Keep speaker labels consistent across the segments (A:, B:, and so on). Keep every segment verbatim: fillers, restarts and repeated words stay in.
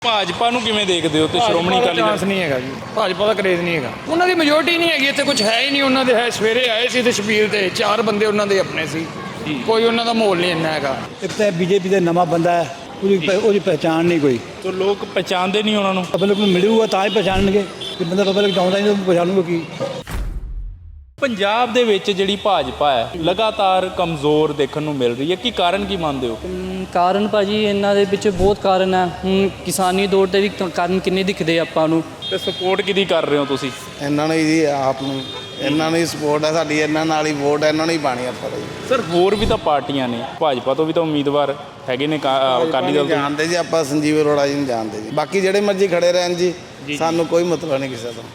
A: ਭਾਜਪਾ ਨੂੰ ਕਿਵੇਂ ਦੇਖਦੇ ਹੋ ਤੇ ਸ਼੍ਰੋਮਣੀ ਅਕਾਲੀ
B: ਚਾਂਸ ਨਹੀਂ ਹੈਗਾ ਜੀ। ਭਾਜਪਾ ਦਾ ਕਰੇਜ਼ ਨਹੀਂ ਹੈਗਾ, ਉਹਨਾਂ ਦੀ ਮੈਜੋਰਟੀ ਨਹੀਂ ਹੈਗੀ ਇੱਥੇ, ਕੁਝ ਹੈ ਹੀ ਨਹੀਂ ਉਹਨਾਂ ਦੇ। ਹੈ ਸਵੇਰੇ ਆਏ ਸੀ ਤੇ ਸ਼ਬੀਲ ਤੇ ਚਾਰ ਬੰਦੇ ਉਹਨਾਂ ਦੇ ਆਪਣੇ ਸੀ, ਕੋਈ ਉਹਨਾਂ ਦਾ ਮਾਹੌਲ ਨਹੀਂ ਇੰਨਾ ਹੈਗਾ।
C: ਇੱਕ ਤਾਂ ਬੀਜੇਪੀ ਦਾ ਨਵਾਂ ਬੰਦਾ ਹੈ, ਉਹਦੀ ਪ- ਉਹਦੀ ਪਹਿਚਾਣ ਨਹੀਂ ਕੋਈ।
A: ਤੋਂ ਲੋਕ ਪਛਾਣਦੇ ਨਹੀਂ ਉਹਨਾਂ ਨੂੰ।
C: ਪਬਲਿਕ ਨੂੰ ਮਿਲੂਗਾ ਤਾਂ ਹੀ ਪਛਾਣਨਗੇ, ਕਿ ਬੰਦਾ ਪਬਲਿਕ ਚਾਹੁੰਦਾ ਨਹੀਂ ਤਾਂ ਪਛਾਣੂਗਾ ਕੀ।
A: ਪੰਜਾਬ ਦੇ ਵਿੱਚ ਜਿਹੜੀ ਭਾਜਪਾ ਹੈ ਲਗਾਤਾਰ ਕਮਜ਼ੋਰ ਦੇਖਣ ਨੂੰ ਮਿਲ ਰਹੀ ਹੈ, ਕੀ ਕਾਰਨ ਕੀ ਮੰਨਦੇ ਹੋ?
D: ਅਮ ਕਾਰਨ ਭਾਜੀ ਇਹਨਾਂ ਦੇ ਵਿੱਚ ਬਹੁਤ ਕਾਰਨ ਹੈ। ਹੁਣ ਕਿਸਾਨੀ ਦੌਰ ਤੇ ਵੀ ਕ- ਕਾਰਨ ਕਿੰਨੇ ਦਿਖਦੇ ਆਪਾਂ ਨੂੰ।
A: ਤੇ ਸਪੋਰਟ ਕਿਹਦੀ ਕਰ ਰਹੇ ਹੋ ਤੁਸੀਂ?
E: ਇਹਨਾਂ ਨੂੰ ਹੀ ਜੀ, ਆਪ ਨੂੰ ਇਹਨਾਂ ਨੂੰ ਹੀ ਸਪੋਰਟ ਹੈ ਸਾਡੀ, ਇਹਨਾਂ ਨਾਲ ਹੀ ਵੋਟ ਇਹਨਾਂ ਨੂੰ ਹੀ ਪਾਣੀ ਆਪਾਂ ਦਾ ਜੀ।
A: ਸਰ ਹੋਰ ਵੀ ਤਾਂ ਪਾਰਟੀਆਂ ਨੇ, ਭਾਜਪਾ ਤੋਂ ਵੀ ਤਾਂ ਉਮੀਦਵਾਰ ਹੈਗੇ ਨੇ, ਕਾ- ਅ, ਅਕਾਲੀ ਦਲ ਤੋਂ।
E: ਜਾਣਦੇ ਜੀ ਆਪਾਂ, ਸੰਜੀਵ ਅਰੋੜਾ ਜੀ ਨੂੰ ਜਾਣਦੇ ਜੀ। ਬਾਕੀ ਜਿਹੜੇ ਮਰਜ਼ੀ ਖੜੇ ਰਹਿਣ ਜੀ, ਸਾਨੂੰ ਕੋਈ ਮਤਲਬ ਨਹੀਂ ਕਿਸੇ ਤੋਂ।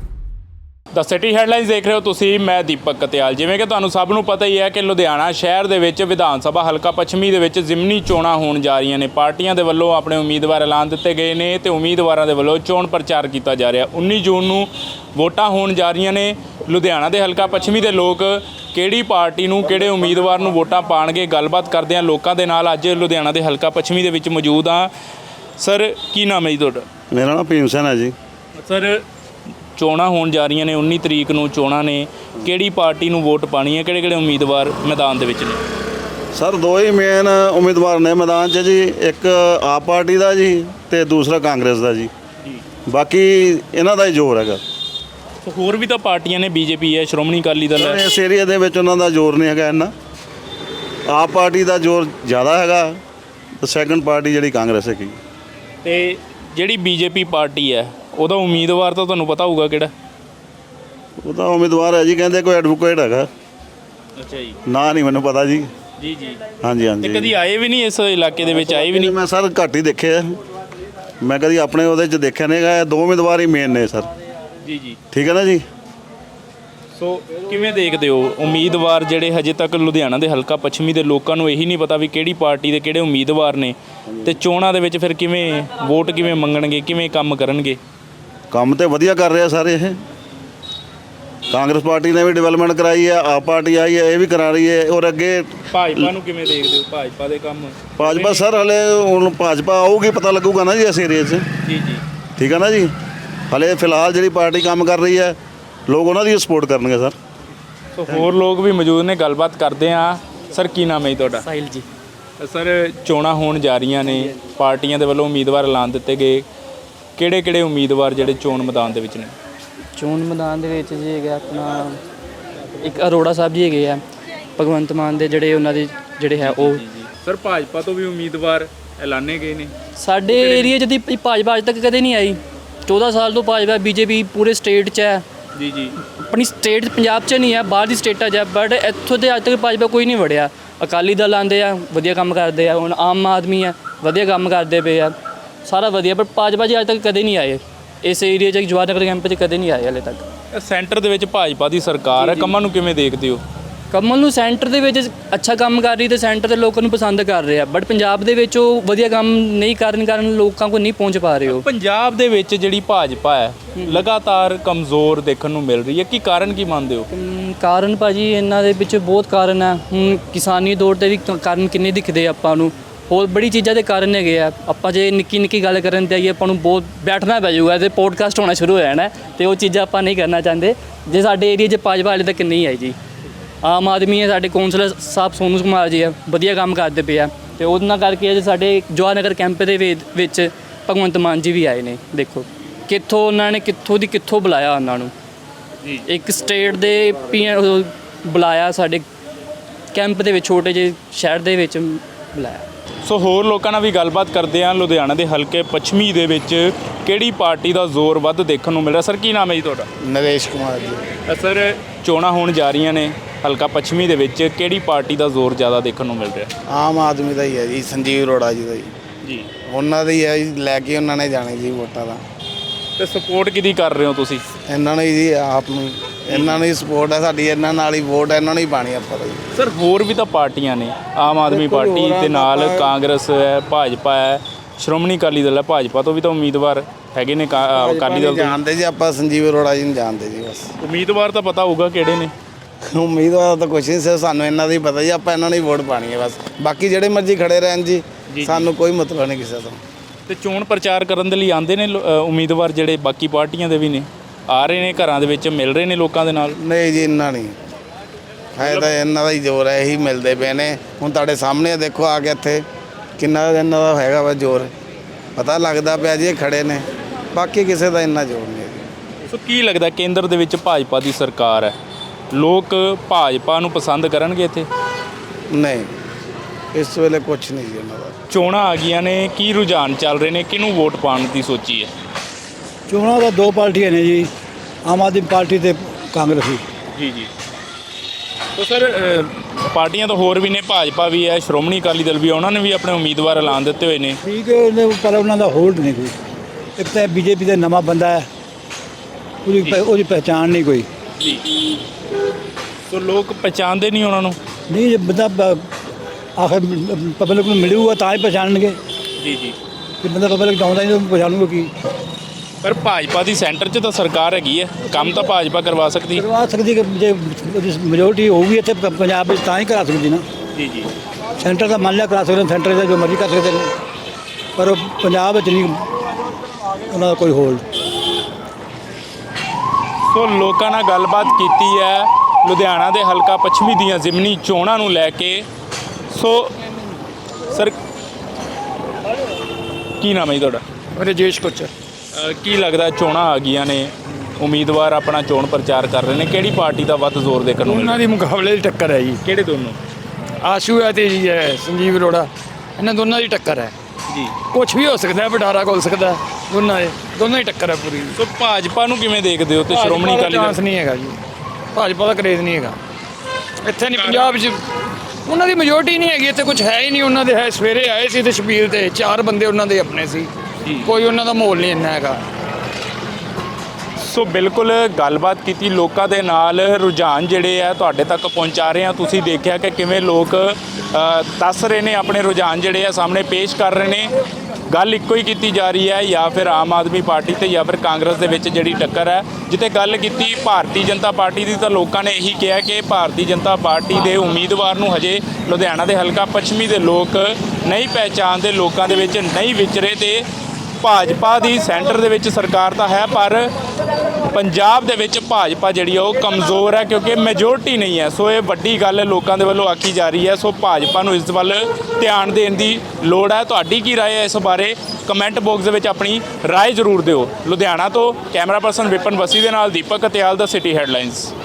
A: ਦ ਸਿਟੀ ਹੈਡਲਾਈਨਸ ਦੇਖ ਰਹੇ ਹੋ ਤੁਸੀਂ, ਮੈਂ ਦੀਪਕ ਕਤਿਆਲ। ਜਿਵੇਂ ਕਿ ਤੁਹਾਨੂੰ ਸਭ ਨੂੰ ਪਤਾ ਹੀ ਹੈ ਕਿ ਲੁਧਿਆਣਾ ਸ਼ਹਿਰ ਦੇ ਵਿੱਚ ਵਿਧਾਨ ਸਭਾ ਹਲਕਾ ਪੱਛਮੀ ਦੇ ਵਿੱਚ ਜ਼ਿਮਨੀ ਚੋਣਾਂ ਹੋਣ ਜਾ ਰਹੀਆਂ ਨੇ। ਪਾਰਟੀਆਂ ਦੇ ਵੱਲੋਂ ਆਪਣੇ ਉਮੀਦਵਾਰ ਐਲਾਨ ਦਿੱਤੇ ਗਏ ਨੇ ਤੇ ਉਮੀਦਵਾਰਾਂ ਦੇ ਵੱਲੋਂ ਚੋਣ ਪ੍ਰਚਾਰ ਕੀਤਾ ਜਾ ਰਿਹਾ। ਉੱਨੀ ਜੂਨ ਨੂੰ ਵੋਟਾਂ ਹੋਣ ਜਾ ਰਹੀਆਂ ਨੇ। ਲੁਧਿਆਣਾ ਦੇ ਹਲਕਾ ਪੱਛਮੀ ਦੇ ਲੋਕ ਕਿਹੜੀ ਪਾਰਟੀ ਨੂੰ, ਕਿਹੜੇ ਉਮੀਦਵਾਰ ਨੂੰ ਵੋਟਾਂ ਪਾਣਗੇ, ਗੱਲਬਾਤ ਕਰਦੇ ਹਾਂ ਲੋਕਾਂ ਦੇ ਨਾਲ। ਅੱਜ ਲੁਧਿਆਣਾ ਦੇ ਹਲਕਾ ਪੱਛਮੀ ਦੇ ਵਿੱਚ ਮੌਜੂਦ ਹਾਂ। ਸਰ ਕੀ ਨਾਮ ਹੈ ਜੀ ਤੁਹਾਡਾ?
F: ਮੇਰਾ ਨਾਮ ਭੀਮ ਸੈਨ ਹੈ ਜੀ।
A: ਸਰ ਚੋਣਾਂ ਹੋਣ ਜਾ ਰਹੀਆਂ ਨੇ, ਉੱਨੀ ਤਰੀਕ ਨੂੰ ਚੋਣਾਂ ਨੇ, ਕਿਹੜੀ ਪਾਰਟੀ ਨੂੰ ਵੋਟ ਪਾਣੀ ਹੈ, ਕਿਹੜੇ ਕਿਹੜੇ ਉਮੀਦਵਾਰ ਮੈਦਾਨ ਦੇ ਵਿੱਚ ਨੇ?
F: ਸਰ ਦੋ ਹੀ ਮੇਨ ਉਮੀਦਵਾਰ ਨੇ ਮੈਦਾਨ 'ਚ ਜੀ, ਇੱਕ ਆਪ ਪਾਰਟੀ ਦਾ ਜੀ ਤੇ ਦੂਸਰਾ ਕਾਂਗਰਸ ਦਾ ਜੀ। ਬਾਕੀ ਇਹਨਾਂ ਦਾ ਹੀ ਜ਼ੋਰ ਹੈਗਾ।
A: ਹੋਰ ਵੀ ਤਾਂ ਪਾਰਟੀਆਂ ਨੇ, ਬੀਜੇਪੀ ਹੈ, ਸ਼੍ਰੋਮਣੀ ਅਕਾਲੀ ਦਲ
F: ਪਰ
A: ਹੈ।
F: ਇਸ ਏਰੀਆ ਦੇ ਵਿੱਚ ਉਹਨਾਂ ਦਾ ਜ਼ੋਰ ਨਹੀਂ ਹੈਗਾ ਇੰਨਾ। ਆਪ ਪਾਰਟੀ ਦਾ ਜ਼ੋਰ ਜ਼ਿਆਦਾ ਹੈਗਾ ਤੇ ਸੈਕੰਡ ਪਾਰਟੀ ਜਿਹੜੀ ਕਾਂਗਰਸ ਹੈਗੀ।
A: ਤੇ ਜਿਹੜੀ ਬੀਜੇਪੀ ਪਾਰਟੀ ਹੈ ਉਹਦਾ ਉਮੀਦਵਾਰ ਤਾਂ ਤੁਹਾਨੂੰ ਪਤਾ ਹੋਊਗਾ ਕਿਹੜਾ?
F: ਉਹਦਾ ਉਮੀਦਵਾਰ ਹੈ ਜੀ, ਕਹਿੰਦੇ ਕੋਈ ਐਡਵੋਕੇਟ ਹੈਗਾ,
A: ਅੱਛਾ ਜੀ।
F: ਨਾਂ ਨਹੀਂ ਮੈਨੂੰ ਪਤਾ ਜੀ।
A: ਜੀ ਜੀ।
F: ਹਾਂਜੀ
A: ਤੇ
F: ਹਾਂਜੀ।
A: ਕਦੀ ਆਏ ਵੀ ਨਹੀਂ ਇਸ ਇਲਾਕੇ ਦੇ ਵਿੱਚ? ਆਏ ਵੀ ਨਹੀਂ?
F: ਮੈਂ ਸਰ ਘੱਟ ਹੀ ਦੇਖਿਆ, ਮੈਂ ਕਦੀ ਆਪਣੇ ਉਹਦੇ 'ਚ ਦੇਖਿਆ ਨਹੀਂ ਹੈਗਾ। ਇਹ ਦੋ ਉਮੀਦਵਾਰ ਹੀ ਮੇਨ ਨੇ ਸਰ।
A: ਜੀ ਜੀ।
F: ਠੀਕ ਹੈ ਨਾ ਜੀ।
A: ਸੋ ਕਿਵੇਂ ਦੇਖਦੇ ਹੋ ਉਮੀਦਵਾਰ ਜਿਹੜੇ ਹਜੇ ਤੱਕ ਲੁਧਿਆਣਾ ਦੇ ਹਲਕਾ ਪੱਛਮੀ ਦੇ ਲੋਕਾਂ ਨੂੰ ਇਹੀ ਨਹੀਂ ਪਤਾ ਵੀ ਕਿਹੜੀ ਪਾਰਟੀ ਦੇ ਕਿਹੜੇ ਉਮੀਦਵਾਰ ਨੇ, ਤੇ ਚੋਣਾਂ ਦੇ ਵਿੱਚ ਫਿਰ ਕਿਵੇਂ ਵੋਟ ਕਿਵੇਂ ਮੰਗਣਗੇ, ਕਿਵੇਂ ਕੰਮ ਕਰਨਗੇ?
F: ਕੰਮ ਤੇ ਵਧੀਆ ਕਰ ਰਿਹਾ ਸਾਰੇ ਇਹ। ਕਾਂਗਰਸ ਪਾਰਟੀ ਨੇ ਵੀ ਡਿਵੈਲਪਮੈਂਟ ਕਰਾਈ ਹੈ, ਆਪ ਪਾਰਟੀ ਆਈ ਹੈ, ਇਹ ਵੀ ਕਰਾ ਰਹੀ ਹੈ। ਔਰ ਅੱਗੇ
A: ਭਾਜਪਾ ਨੂੰ ਕਿਵੇਂ ਦੇਖਦੇ ਹੋ? ਭਾਜਪਾ ਦੇ ਕੰਮ?
F: ਭਾਜਪਾ ਸਰ ਹਲੇ ਹੁਣ ਭਾਜਪਾ ਆਊਗੀ, ਪਤਾ ਲੱਗੂਗਾ ਨਾ ਜੀ ਇਸ ਏਰੀਏ 'ਚ।
A: ਜੀ ਜੀ।
F: ਠੀਕ ਹੈ ਨਾ ਜੀ। ਹਲੇ ਫਿਲਹਾਲ ਜਿਹੜੀ ਪਾਰਟੀ ਕੰਮ ਕਰ ਰਹੀ ਹੈ, ਲੋਕ ਉਹਨਾਂ ਦੀ ਸਪੋਰਟ ਕਰਨਗੇ ਸਰ।
A: ਸੋ ਹੋਰ ਲੋਕ ਵੀ ਮੌਜੂਦ ਨੇ, ਗੱਲਬਾਤ ਕਰਦੇ ਹਾਂ। ਸਰ ਕੀ ਨਾਮ ਹੈ ਜੀ ਤੁਹਾਡਾ?
D: ਸਾਹਿਲ ਜੀ।
A: ਸਰ ਚੋਣਾਂ ਹੋਣ ਜਾ ਰਹੀਆਂ ਨੇ, ਪਾਰਟੀਆਂ ਦੇ ਵੱਲੋਂ ਉਮੀਦਵਾਰ ਐਲਾਨ ਦਿੱਤੇ ਗਏ, ਕਿਹੜੇ ਕਿਹੜੇ ਉਮੀਦਵਾਰ ਜਿਹੜੇ ਚੋਣ ਮੈਦਾਨ ਦੇ ਵਿੱਚ ਨੇ?
D: ਚੋਣ ਮੈਦਾਨ ਦੇ ਵਿੱਚ ਜੀ ਹੈਗਾ ਆਪਣਾ ਇੱਕ ਅਰੋੜਾ ਸਾਹਿਬ ਜੀ ਹੈਗੇ ਆ, ਭਗਵੰਤ ਮਾਨ ਦੇ ਜਿਹੜੇ ਉਹਨਾਂ ਦੇ ਜਿਹੜੇ ਹੈ ਉਹ।
A: ਸਰ ਭਾਜਪਾ ਤੋਂ ਵੀ ਉਮੀਦਵਾਰ ਐਲਾਨੇ ਗਏ ਨੇ।
D: ਸਾਡੇ ਏਰੀਆ 'ਚ ਦੀ ਭਾਜਪਾ ਅੱਜ ਤੱਕ ਕਦੇ ਨਹੀਂ ਆਈ। ਚੌਦਾਂ ਸਾਲ ਤੋਂ ਭਾਜਪਾ ਬੀਜੇਪੀ ਪੂਰੇ ਸਟੇਟ 'ਚ ਹੈ।
A: ਜੀ ਜੀ।
D: ਆਪਣੀ ਸਟੇਟ ਪੰਜਾਬ 'ਚ ਨਹੀਂ ਹੈ, ਬਾਹਰ ਦੀ ਸਟੇਟਾਂ 'ਚ ਹੈ, ਬਟ ਇੱਥੋਂ ਦੇ ਅੱਜ ਤੱਕ ਭਾਜਪਾ ਕੋਈ ਨਹੀਂ ਵੜਿਆ। ਅਕਾਲੀ ਦਲ ਆਉਂਦੇ ਆ, ਵਧੀਆ ਕੰਮ ਕਰਦੇ ਆ। ਹੁਣ ਆਮ ਆਦਮੀ ਆ, ਵਧੀਆ ਕੰਮ ਕਰਦੇ ਪਏ ਆ, ਸਾਰਾ ਵਧੀਆ। ਪਰ ਭਾਜਪਾ ਜੀ ਅੱਜ ਤੱਕ ਕਦੇ ਨਹੀਂ ਆਏ ਇਸ ਏਰੀਆ 'ਚ, ਜਵਾਹਰ ਨਗਰ ਕੈਂਪ 'ਚ ਕਦੇ ਨਹੀਂ ਆਏ ਹਲੇ ਤੱਕ।
A: ਸੈਂਟਰ ਦੇ ਵਿੱਚ ਭਾਜਪਾ ਦੀ ਸਰਕਾਰ ਹੈ, ਕੰਮਾਂ ਨੂੰ ਕਿਵੇਂ ਦੇਖਦੇ ਹੋ?
D: ਕਮਲ ਨੂੰ ਸੈਂਟਰ ਦੇ ਵਿੱਚ ਅੱਛਾ ਕੰਮ ਕਰ ਰਹੀ ਤੇ ਸੈਂਟਰ ਦੇ ਲੋਕਾਂ ਨੂੰ ਪਸੰਦ ਕਰ ਰਹੇ ਆ, ਬਟ ਪੰਜਾਬ ਦੇ ਵਿੱਚ ਉਹ ਵਧੀਆ ਕੰਮ ਨਹੀਂ ਕਰਨ ਕਾਰਨ ਲੋਕਾਂ ਕੋਲ ਨਹੀਂ ਪਹੁੰਚ ਪਾ ਰਹੇ ਹੋ।
A: ਪੰਜਾਬ ਦੇ ਵਿੱਚ ਜਿਹੜੀ ਭਾਜਪਾ ਹੈ ਲਗਾਤਾਰ ਕਮਜ਼ੋਰ ਦੇਖਣ ਨੂੰ ਮਿਲ ਰਹੀ ਹੈ, ਕੀ ਕਾਰਨ ਕੀ ਮੰਨਦੇ ਹੋ?
D: ਅਮ ਕਾਰਨ ਭਾਜੀ ਇਹਨਾਂ ਦੇ ਵਿੱਚ ਬਹੁਤ ਕਾਰਨ ਹੈ। ਹੁਣ ਕਿਸਾਨੀ ਦੌਰ ਤੇ ਵੀ ਕ- ਕਾਰਨ ਕਿੰਨੇ ਦਿਖਦੇ ਆਪਾਂ ਨੂੰ, ਹੋਰ ਬੜੀ ਚੀਜ਼ਾਂ ਦੇ ਕਾਰਨ ਹੈਗੇ ਆ। ਆਪਾਂ ਜੇ ਨਿੱਕੀ ਨਿੱਕੀ ਗੱਲ ਕਰਨ ਤੇ ਆਈਏ ਆਪਾਂ ਨੂੰ ਬਹੁਤ ਬੈਠਣਾ ਪੈ ਜਾਊਗਾ ਤੇ ਪੋਡਕਾਸਟ ਹੋਣਾ ਸ਼ੁਰੂ ਹੋ ਜਾਣਾ, ਤੇ ਉਹ ਚੀਜ਼ਾਂ ਆਪਾਂ ਨਹੀਂ ਕਰਨਾ ਚਾਹੁੰਦੇ। ਜੇ ਸਾਡੇ ਏਰੀਆ 'ਚ ਭਾਜਪਾ ਹਾਲੇ ਤੱਕ ਨਹੀਂ ਆਈ ਜੀ। ਆਮ ਆਦਮੀ ਹੈ, ਸਾਡੇ ਕੌਂਸਲਰ ਸਾਹਿਬ ਸੋਨੂ ਕੁਮਾਰ ਜੀ ਆ, ਵਧੀਆ ਕੰਮ ਕਰਦੇ ਪਏ ਆ, ਤੇ ਉਹਦੇ ਨਾਲ ਕਰਕੇ ਅੱਜ ਸਾਡੇ ਜਵਾਹਰ ਨਗਰ ਕੈਂਪ ਦੇ ਵੇ- ਵਿੱਚ ਭਗਵੰਤ ਮਾਨ ਜੀ ਵੀ ਆਏ ਨੇ। ਦੇਖੋ ਕਿੱਥੋਂ ਉਹਨਾਂ ਨੇ ਕਿੱਥੋਂ ਦੀ ਕਿੱਥੋਂ ਬੁਲਾਇਆ ਉਹਨਾਂ ਨੂੰ, ਇੱਕ ਸਟੇਟ ਦੇ ਪੀ ਬੁਲਾਇਆ, ਸਾਡੇ ਕੈਂਪ ਦੇ ਵਿੱਚ ਛੋਟੇ ਜਿਹੇ ਸ਼ਹਿਰ ਦੇ ਵਿੱਚ ਬੁਲਾਇਆ।
A: ਸੋ ਹੋਰ ਲੋਕਾਂ ਨਾਲ ਵੀ ਗੱਲਬਾਤ ਕਰਦੇ ਹਾਂ। ਲੁਧਿਆਣਾ ਦੇ ਹਲਕੇ ਪੱਛਮੀ ਦੇ ਵਿੱਚ ਕਿਹੜੀ ਪਾਰਟੀ ਦਾ ਜ਼ੋਰ ਵੱਧ ਦੇਖਣ ਨੂੰ ਮਿਲ ਰਿਹਾ? ਸਰ ਕੀ ਨਾਮ ਹੈ ਜੀ ਤੁਹਾਡਾ?
E: ਨਰੇਸ਼ ਕੁਮਾਰ ਜੀ।
A: ਸਰ ਚੋਣਾਂ ਹੋਣ ਜਾ ਰਹੀਆਂ ਨੇ ਹਲਕਾ ਪੱਛਮੀ ਦੇ ਵਿੱਚ, ਕਿਹੜੀ ਪਾਰਟੀ ਦਾ ਜ਼ੋਰ ਜ਼ਿਆਦਾ ਦੇਖਣ ਨੂੰ ਮਿਲ ਰਿਹਾ?
E: ਆਮ ਆਦਮੀ ਦਾ ਹੀ ਹੈ ਜੀ, ਸੰਜੀਵ ਅਰੋੜਾ ਜੀ ਦਾ ਜੀ।
A: ਜੀ।
E: ਉਹਨਾਂ ਦਾ ਹੀ ਹੈ ਜੀ, ਲੈ ਕੇ ਉਹਨਾਂ ਨੇ ਜਾਣੇ ਜੀ ਵੋਟਾਂ ਦਾ।
A: ਤੇ ਸਪੋਰਟ ਕਿਹਦੀ ਕਰ ਰਹੇ ਹੋ ਤੁਸੀਂ?
E: ਇਹਨਾਂ ਨੂੰ ਹੀ ਜੀ, ਆਪ ਨੂੰ ਇਹਨਾਂ ਨੂੰ ਹੀ ਸਪੋਰਟ ਹੈ ਸਾਡੀ, ਇਹਨਾਂ ਨਾਲ ਹੀ ਵੋਟ ਇਹਨਾਂ ਨੂੰ ਹੀ ਪਾਣੀ ਆਪਾਂ ਦਾ ਜੀ।
A: ਸਰ ਹੋਰ ਵੀ ਤਾਂ ਪਾਰਟੀਆਂ ਨੇ, ਆਮ ਆਦਮੀ ਪਾਰਟੀ ਦੇ ਨਾਲ ਕਾਂਗਰਸ ਹੈ, ਭਾਜਪਾ ਹੈ, ਸ਼੍ਰੋਮਣੀ ਅਕਾਲੀ ਦਲ ਹੈ। ਭਾਜਪਾ ਤੋਂ ਵੀ ਤਾਂ ਉਮੀਦਵਾਰ ਹੈਗੇ ਨੇ, ਕਾ- ਅਕਾਲੀ ਦਲ ਤੋਂ।
E: ਜਾਣਦੇ ਜੀ ਆਪਾਂ, ਸੰਜੀਵ ਅਰੋੜਾ ਜੀ ਨੂੰ ਜਾਣਦੇ ਜੀ ਬਸ।
A: ਉਮੀਦਵਾਰ ਤਾਂ ਪਤਾ ਹੋਊਗਾ ਕਿਹੜੇ ਨੇ?
E: ਉਮੀਦਵਾਰ ਤਾਂ ਕੁਛ ਨਹੀਂ, ਸਿਰਫ ਸਾਨੂੰ ਇਹਨਾਂ ਦਾ ਹੀ ਪਤਾ ਜੀ, ਆਪਾਂ ਇਹਨਾਂ ਨੂੰ ਹੀ ਵੋਟ ਪਾਣੀ ਹੈ ਬਸ। ਬਾਕੀ ਜਿਹੜੇ ਮਰਜ਼ੀ ਖੜੇ ਰਹਿਣ ਜੀ, ਸਾਨੂੰ ਕੋਈ ਮਤਲਬ ਨਹੀਂ ਕਿਸੇ ਤੋਂ।
A: ਤੇ ਚੋਣ ਪ੍ਰਚਾਰ ਕਰਨ ਦੇ ਲਈ ਆਉਂਦੇ ਨੇ ਲੋ- ਅ, ਉਮੀਦਵਾਰ ਜਿਹੜੇ ਬਾਕੀ ਪਾਰਟੀਆਂ ਦੇ ਵੀ ਨੇ, ਆ ਰਹੇ ਨੇ ਘਰਾਂ ਦੇ ਵਿੱਚ, ਮਿਲ ਰਹੇ ਨੇ ਲੋਕਾਂ ਦੇ ਨਾਲ?
E: ਨਹੀਂ ਜੀ ਇੰਨਾ ਨਹੀਂ ਹੈ, ਤਾਂ ਇਹਨਾਂ ਦਾ ਹੀ ਜ਼ੋਰ ਹੈ, ਇਹੀ ਮਿਲਦੇ ਪਏ ਨੇ। ਹੁਣ ਤੁਹਾਡੇ ਸਾਹਮਣੇ ਆ, ਦੇਖੋ ਆ ਕੇ ਇੱਥੇ ਕਿੰਨਾ ਇਹਨਾਂ ਦਾ ਹੈਗਾ ਵਾ ਜ਼ੋਰ, ਪਤਾ ਲੱਗਦਾ ਪਿਆ ਜੀ ਇਹ ਖੜੇ ਨੇ, ਬਾਕੀ ਕਿਸੇ ਦਾ ਇੰਨਾ ਜ਼ੋਰ ਨਹੀਂ ਹੈ ਜੀ।
A: ਸੋ ਕੀ ਲੱਗਦਾ ਕੇਂਦਰ ਦੇ ਵਿੱਚ ਭਾਜਪਾ ਦੀ ਸਰਕਾਰ ਹੈ, ਲੋਕ ਭਾਜਪਾ ਨੂੰ ਪਸੰਦ ਕਰਨਗੇ ਇੱਥੇ?
E: ਨਹੀਂ ਇਸ ਵੇਲੇ ਕੁਛ ਨਹੀਂ ਜੀ ਇਹਨਾਂ ਦਾ।
A: ਚੋਣਾਂ ਆ ਗਈਆਂ ਨੇ, ਕੀ ਰੁਝਾਨ ਚੱਲ ਰਹੇ ਨੇ, ਕਿਹਨੂੰ ਵੋਟ ਪਾਉਣ ਦੀ ਸੋਚੀ ਹੈ?
C: ਚੋਣਾਂ ਦਾ ਦੋ ਪਾਰਟੀਆਂ ਨੇ ਜੀ, ਆਮ ਆਦਮੀ ਪਾਰਟੀ ਤੇ ਕਾਂਗਰਸੀ।
A: ਜੀ ਜੀ ਤੋ ਸਰ ਪਾਰਟੀਆਂ ਤਾਂ ਹੋਰ ਵੀ ਨੇ, ਭਾਜਪਾ ਵੀ ਹੈ, ਸ਼੍ਰੋਮਣੀ ਅਕਾਲੀ ਦਲ ਵੀ ਹੈ, ਉਹਨਾਂ ਨੇ ਵੀ ਆਪਣੇ ਉਮੀਦਵਾਰ ਐਲਾਨ ਦਿੱਤੇ ਹੋਏ ਨੇ।
C: ਠੀਕ ਹੈ, ਉਹਨੇ ਪਰ ਉਹਨਾਂ ਦਾ ਹੋਲਡ ਨਹੀਂ ਕੋਈ। ਇੱਕ ਤਾਂ ਬੀਜੇਪੀ ਦਾ ਨਵਾਂ ਬੰਦਾ ਹੈ, ਉਹਦੀ ਪਹਿ- ਉਹਦੀ ਪਹਿਚਾਣ ਨਹੀਂ ਕੋਈ।
A: ਜੀ ਸੋ ਲੋਕ ਪਛਾਣਦੇ ਨਹੀਂ ਉਹਨਾਂ ਨੂੰ।
C: ਨਹੀਂ ਜੇ ਬੰਦਾ ਬ- ਆਖਰ ਪਬਲਿਕ ਨੂੰ ਮਿਲੂਗਾ ਤਾਂ ਹੀ ਪਛਾਣਨਗੇ।
A: ਜੀ ਜੀ
C: ਕਿ ਬੰਦਾ ਪਬਲਿਕ ਆਉਂਦਾ ਨਹੀਂ ਤਾਂ ਪਛਾਣੂਗਾ ਕੀ?
A: ਪਰ ਭਾਜਪਾ ਦੀ ਸੈਂਟਰ 'ਚ ਤਾਂ ਸਰਕਾਰ ਹੈਗੀ ਹੈ, ਕੰਮ ਤਾਂ ਭਾਜਪਾ ਕਰਵਾ ਸਕਦੀ।
C: ਕਰਵਾ ਸਕਦੀ ਕਿ ਜੇ ਮੈਜੋਰਟੀ ਹੋਊਗੀ ਇੱਥੇ ਪ- ਪੰਜਾਬ ਵਿੱਚ ਤਾਂ ਹੀ ਕਰਾ ਸਕਦੀ ਨਾ।
A: ਜੀ ਜੀ
C: ਸੈਂਟਰ ਦਾ ਮੰਨ ਲਿਆ ਕਰਾ ਸਕਦੇ ਨੇ, ਸੈਂਟਰ ਦਾ ਜੋ ਮਰਜ਼ੀ ਕਰ ਸਕਦੇ ਨੇ, ਪਰ ਉਹ ਪੰਜਾਬ ਵਿੱਚ ਨਹੀਂ ਉਹਨਾਂ ਦਾ ਕੋਈ ਹੋਲਡ।
A: ਸੋ ਲੋਕਾਂ ਨਾਲ ਗੱਲਬਾਤ ਕੀਤੀ ਹੈ ਲੁਧਿਆਣਾ ਦੇ ਹਲਕਾ ਪੱਛਮੀ ਦੀਆਂ ਜ਼ਿਮਨੀ ਚੋਣਾਂ ਨੂੰ ਲੈ ਕੇ। ਸੋ ਸਰ ਕੀ ਨਾਮ ਹੈ ਜੀ ਤੁਹਾਡਾ?
B: ਰਜੇਸ਼ ਕੋਚਰ।
A: ਅ, ਕੀ ਲੱਗਦਾ ਚੋਣਾਂ ਆ ਗਈਆਂ ਨੇ, ਉਮੀਦਵਾਰ ਆਪਣਾ ਚੋਣ ਪ੍ਰਚਾਰ ਕਰ ਰਹੇ ਨੇ, ਕਿਹੜੀ ਪਾਰਟੀ ਦਾ ਵੱਧ ਜ਼ੋਰ ਦੇਖਣ ਨੂੰ ਮਿਲ
B: ਉਹਨਾਂ
A: ਰਿਹਾ?
B: ਦੀ ਮੁਕਾਬਲੇ ਦੀ ਟੱਕਰ ਹੈ ਜੀ।
A: ਕਿਹੜੇ ਦੋਨੋਂ?
B: ਆਸ਼ੂ ਹੈ ਤੇ ਜੀ ਹੈ ਸੰਜੀਵ ਅਰੋੜਾ, ਇਹਨਾਂ ਦੋਨਾਂ ਦੀ ਟੱਕਰ ਹੈ।
A: ਜੀ
B: ਕੁਝ ਵੀ ਹੋ ਸਕਦਾ ਹੈ, ਵਡਾਰਾ ਖੁੱਲ ਸਕਦਾ ਹੈ, ਦੋਨਾਂ ਦੇ ਦੋਨਾਂ ਦੀ ਟੱਕਰ ਹੈ ਪੂਰੀ।
A: ਸੋ ਭਾਜਪਾ ਨੂੰ ਕਿਵੇਂ ਦੇਖਦੇ ਹੋ ਤੇ ਸ਼੍ਰੋਮਣੀ
B: ਭਾਜਪਾ ਦਾ
A: ਅਕਾਲੀ
B: ਚਾਂਸ
A: ਦਲ?
B: ਨਹੀਂ ਹੈਗਾ ਜੀ, ਭਾਜਪਾ ਦਾ ਕਰੇਜ਼ ਨਹੀਂ ਹੈਗਾ ਇੱਥੇ, ਨਹੀਂ ਪੰਜਾਬ 'ਚ। ਉਹਨਾਂ ਦੀ ਮੈਜੋਰਟੀ ਨਹੀਂ ਹੈਗੀ ਇੱਥੇ, ਕੁਝ ਹੈ ਹੀ ਨਹੀਂ ਉਹਨਾਂ ਦੇ। ਹੈ ਸਵੇਰੇ ਆਏ ਸੀ ਤੇ ਸ਼ਬੀਲ ਤੇ ਚਾਰ ਬੰਦੇ ਉਹਨਾਂ ਦੇ ਆਪਣੇ ਸੀ, ਕੋਈ ਉਹਨਾਂ ਦਾ ਮਾਹੌਲ ਨਹੀਂ ਇੰਨਾ ਹੈਗਾ।
A: ਸੋ ਬਿਲਕੁਲ ਗੱਲਬਾਤ ਕੀਤੀ ਲੋਕਾਂ ਦੇ ਨਾਲ, ਰੁਝਾਨ ਜਿਹੜੇ ਆ ਤੁਹਾਡੇ ਤੱਕ ਪਹੁੰਚਾ ਰਹੇ ਆ। ਤੁਸੀਂ ਦੇਖਿਆ ਕਿ ਕਿਵੇਂ ਲੋਕ ਅ, ਦੱਸ ਰਹੇ ਨੇ, ਆਪਣੇ ਰੁਝਾਨ ਜਿਹੜੇ ਆ ਸਾਹਮਣੇ ਪੇਸ਼ ਕਰ ਰਹੇ ਨੇ। ਗੱਲ ਇੱਕੋ ਹੀ ਕੀਤੀ ਜਾ ਰਹੀ ਹੈ, ਜਾਂ ਫਿਰ ਆਮ ਆਦਮੀ ਪਾਰਟੀ ਤੇ ਜਾਂ ਫਿਰ ਕਾਂਗਰਸ ਦੇ ਵਿੱਚ ਜਿਹੜੀ ਟੱਕਰ ਹੈ। ਜਿੱਥੇ ਗੱਲ ਕੀਤੀ ਭਾਰਤੀ ਜਨਤਾ ਪਾਰਟੀ ਦੀ, ਤਾਂ ਲੋਕਾਂ ਨੇ ਇਹੀ ਕਿਹਾ ਕਿ ਭਾਰਤੀ ਜਨਤਾ ਪਾਰਟੀ ਦੇ ਉਮੀਦਵਾਰ ਨੂੰ ਹਜੇ ਲੁਧਿਆਣਾ ਦੇ ਹਲਕਾ ਪੱਛਮੀ ਦੇ ਲੋਕ ਨਹੀਂ ਪਹਿਚਾਣਦੇ, ਲੋਕਾਂ ਦੇ ਵਿੱਚ ਨਹੀਂ ਵਿਚਰੇ। ਤੇ ਭਾਜਪਾ ਦੀ ਸੈਂਟਰ ਦੇ ਵਿੱਚ ਸਰਕਾਰ ਤਾਂ ਹੈ, ਪਰ ਪੰਜਾਬ ਦੇ ਵਿੱਚ ਭਾਜਪਾ ਜਿਹੜੀ ਆ ਉਹ ਕਮਜ਼ੋਰ ਹੈ, ਕਿਉਂਕਿ ਮੈਜੋਰਟੀ ਨਹੀਂ ਹੈ। ਸੋ ਇਹ ਵੱਡੀ ਗੱਲ ਲੋਕਾਂ ਦੇ ਵੱਲੋਂ ਆਖੀ ਜਾ ਰਹੀ ਹੈ। ਸੋ ਭਾਜਪਾ ਨੂੰ ਇਸ ਵੱਲ ਧਿਆਨ ਦੇਣ ਦੀ ਲੋੜ ਹੈ। ਤੁਹਾਡੀ ਕੀ ਰਾਏ ਹੈ ਇਸ ਬਾਰੇ? ਕਮੈਂਟ ਬਾਕਸ ਦੇ ਵਿੱਚ ਆਪਣੀ ਰਾਏ ਜ਼ਰੂਰ ਦਿਓ। ਲੁਧਿਆਣਾ ਤੋਂ ਕੈਮਰਾ ਪਰਸਨ ਵਿਪਨ ਵਸੀ ਦੇ ਨਾਲ ਦੀਪਕ ਕਤਿਆਲ, ਦਾ ਸਿਟੀ ਹੈਡਲਾਈਨਸ।